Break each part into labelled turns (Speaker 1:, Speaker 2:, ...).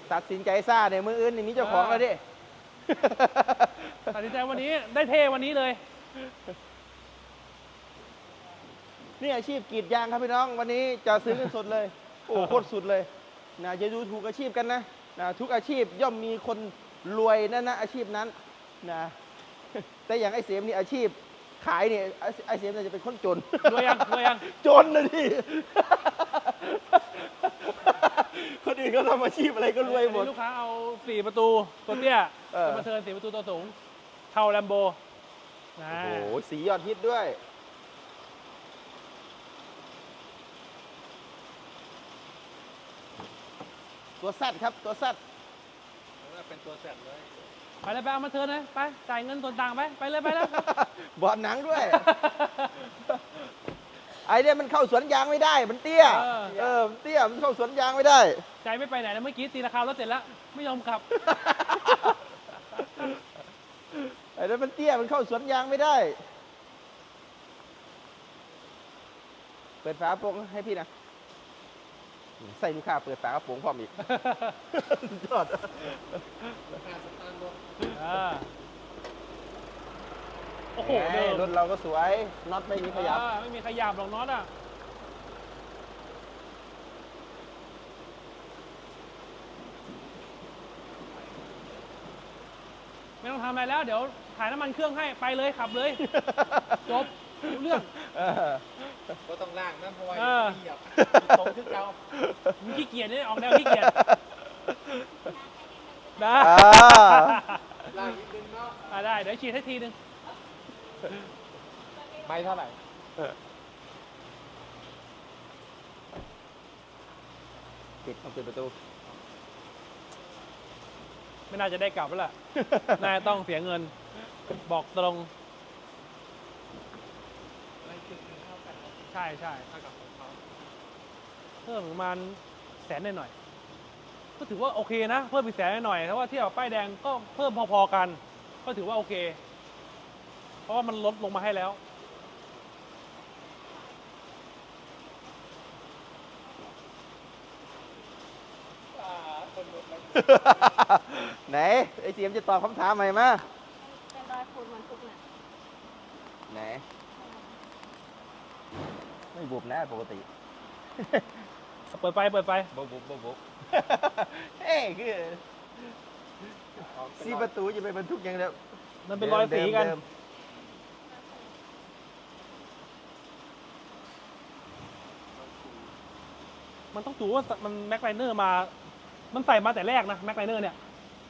Speaker 1: ตัดสินใจซ่าเนี่ยมืออื่นนี่มีเจ้าของแล้วดิ
Speaker 2: ตัดสินใจวันนี้ได้เท่วันนี้เลย
Speaker 1: นี่อาชีพกรีดยางครับพี่น้องวันนี้จะซื้อกันสดเลย โอ้โคตรสุดเลยนะอย่าดูถูกอาชีพกันนะทุกอาชีพย่อมมีคนรวยนั่นนะอาชีพนั้นนะแต่อย่างไอ้เสียมนี่อาชีพขายเนี่ยไอ้เสียมเนี่ยจะเป็นคนจน
Speaker 2: รวยยัง
Speaker 1: จนนะดิ คนอื่นเขาทำอาชีพอะไรก็รวยหมด
Speaker 2: ลูกค้าเอา4ประตูตัวเตี้ยจะมาเทิร์น4ประตูตัวสูงเท่าแลมโบนะ
Speaker 1: โอ้โหสียอดฮิตด้วยตัวแซดครับตัวแซด
Speaker 3: เป็นตัวแสบเลย
Speaker 2: ไปเลยไปเอามาเทิร์นเลยไปจ่ายเงินส่วนต่างไปเลยไปแล้ว
Speaker 1: บอดหนังด้วย ไอเนี่ยมันเข้าสวนยางไม่ได้มันเตี้ยมันเตี้ยมันเข้าสวนยางไม่ได้
Speaker 2: ใจไม่ไปไหนนะเมื่อกี้ตีราคารถเสร็จแล้วไม่ยอมขับ
Speaker 1: ไอ้นั่นมันเตี้ยมันเข้าสวนยางไม่ได้ เปิดฝากระโปรงให้พี่นะใส่ลูกค้าเปิดฝากระโปรงพร้อมอีก ยอด
Speaker 3: ค่าสตาร์ทรถ
Speaker 2: โอ้โห
Speaker 1: แหมรถเราก็สวยน็อตไม่มีขยับ
Speaker 2: ไม่มีขยับหรอกน็อตอ่ะไม่ต้องทำอะไรแล้วเดี๋ยวถ่ายน้ำมันเครื่องให้ไปเลยขับเลย จบรู้เรื่อง
Speaker 3: ก็ต้องล่างนะเพราะว่าเหยียบตรงขึ้นเก่า
Speaker 2: มึงขี้เกียจเนี่ยออกแนวขี้เกียจได้
Speaker 3: ล่างนิดนึงเนาะ
Speaker 2: ได้เดี๋ยวฉีดให้ทีนึง
Speaker 3: ไม่เท่าไหร่
Speaker 1: ปิดต้องปิดประตู
Speaker 2: ไม่น่าจะได้กลับแล้วล่ะ น่าจะต้องเสียเงินบอกตรง
Speaker 3: ไม่ถึงเท่ากัน
Speaker 2: ใช่
Speaker 3: เท่ากับของเขา
Speaker 2: เพิ่มประมาณ100,000หน่อยๆก็ถือว่าโอเคนะเพิ่มอีก100,000หน่อยๆถ้าว่าเทียบกับป้ายแดงก็เพิ่มพอๆกัน ก็ถือว่าโอเค เพราะว่ามันลดลงมาให้แล้ว
Speaker 3: คนรถแล้ว
Speaker 1: ไหนไอ้เสียมจะตอบคำถามใหม่มา
Speaker 4: เป็นรอยขูดเหมือนทุกเนี่ย
Speaker 1: ไหนไม่บุบนะปกติ
Speaker 2: เปิดไฟเปิดไฟ
Speaker 3: บุบ
Speaker 1: เอ้คือซีประตูจะไปบรรทุกอย่างเดียว
Speaker 2: มันเป็นรอยสีกัน
Speaker 1: เดิม
Speaker 2: มันต้องดูว่ามันแม็กไลเนอร์มา มันใส่มาแต่แรกนะแม็กไลเนอร์เนี่ย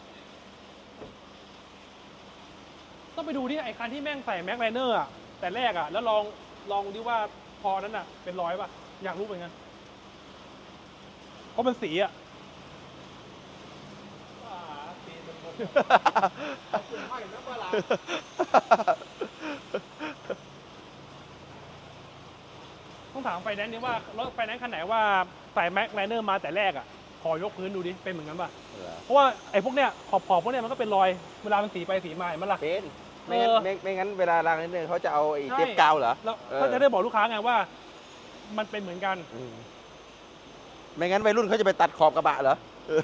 Speaker 2: ต้องไปดูที่ไอ้คันที่แม่งใส่แม็กไลเนอร์อะแต่แรกอะแล้วลองดิว่าพอนั้นอะเป็นรอยป่ะอยากรู้เหมือนกันเพราะมันสีอะ
Speaker 3: ปีนบนคุณห้อยนะเวลา
Speaker 2: ต้องถามไฟแนนซ์ดิว่ารถไฟแนนซ์คันไหนว่าใส่แม็กไลเนอร์มาแต่แรกอะขอยกพื้นดูดิเป็นเหมือนกันป่ะ เพราะว่าไอ้พวกเนี้ยขอบพวกเนี้ยมันก็เป็นรอยเวลามันสีไปสีมาเห็นมั้ยล่ะ
Speaker 1: เป็นไม่งั้นไม่งั้นเวลาล้างนิดนึงเขาจะเอาไอ้เทปกาวเหรอ
Speaker 2: แล้วก็จะได้บอกลูกค้าไงว่า มันเป็นเหมือนกัน
Speaker 1: ไม่งั้นวัยรุ่นเขาจะไปตัดขอบกระบะเหรอ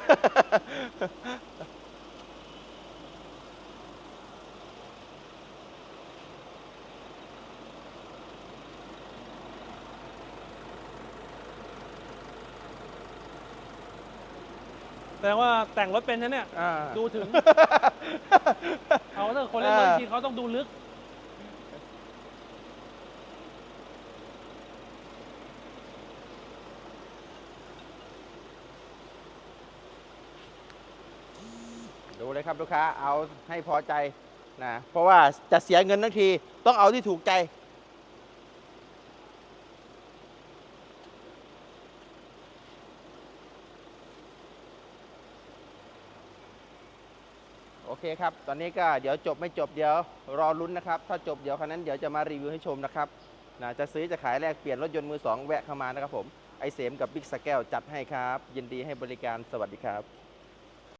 Speaker 2: แสดงว่าแต่งรถเป็นนะเนี่ย ดูถึง เอาถ้าคนเล่นรถจริงเขาต้องดูลึก
Speaker 1: ดูเลยครับลูกค้าเอาให้พอใจนะเพราะว่าจะเสียเงินทั้งทีต้องเอาที่ถูกใจ โอเคครับ ตอนนี้ก็เดี๋ยวจบไม่จบเดี๋ยวรอลุ้นนะครับ ถ้าจบเดี๋ยวคันนั้นเดี๋ยวจะมารีวิวให้ชมนะครับนะจะซื้อจะขายแลกเปลี่ยนรถยนต์มือสองแวะเข้ามานะครับผมไอเสมกับบิ๊กสแกลจัดให้ครับยินดีให้บริการสวัสดีครับ